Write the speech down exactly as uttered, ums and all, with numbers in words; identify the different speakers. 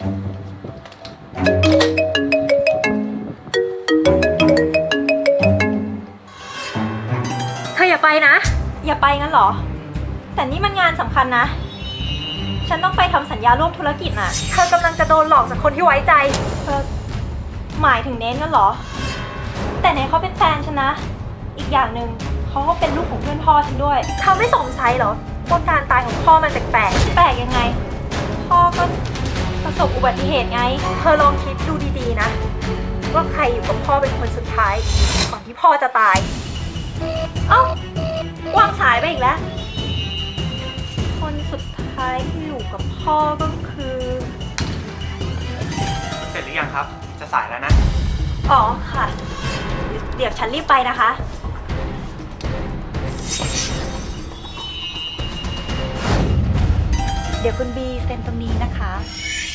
Speaker 1: เธออย่าไปนะอย่าไปงั้นเหรอแต่นี่มันงานสำคัญนะฉันต้องไปทำสัญญาร่วมธุรกิจน่ะเธอกำลังจะโดนหลอกจากคนที่ไว้ใจเธอหมายถึงเน้นงั้นเหรอแต่เน้นเขาเป็นแฟนฉันนะอีกอย่างหนึ่งเขาก็เป็นลูกของเพื่อนพ่อฉันด้วยเธอไม่สงสัยเหรอว่าการตายของพ่อมันแปลกๆแปลกยังไงพ่อก็ประสบอุบัติเหตุไงเธอลองคิดดูดีๆนะว่าใครอยู่กับพ่อเป็นคนสุดท้ายก่อนที่พ่อจะตายเอ้าวางสายไปอีกแล้วคนสุดท้ายที่อยู่กับพ่อก็คือ
Speaker 2: เสร็จหรือยังครับ จะสายแล้วนะ
Speaker 1: อ๋อค่ะ เดี๋ยวฉันรีบไปนะคะ เดี๋ยวคุณบีเซ็นตรงนี้นะคะ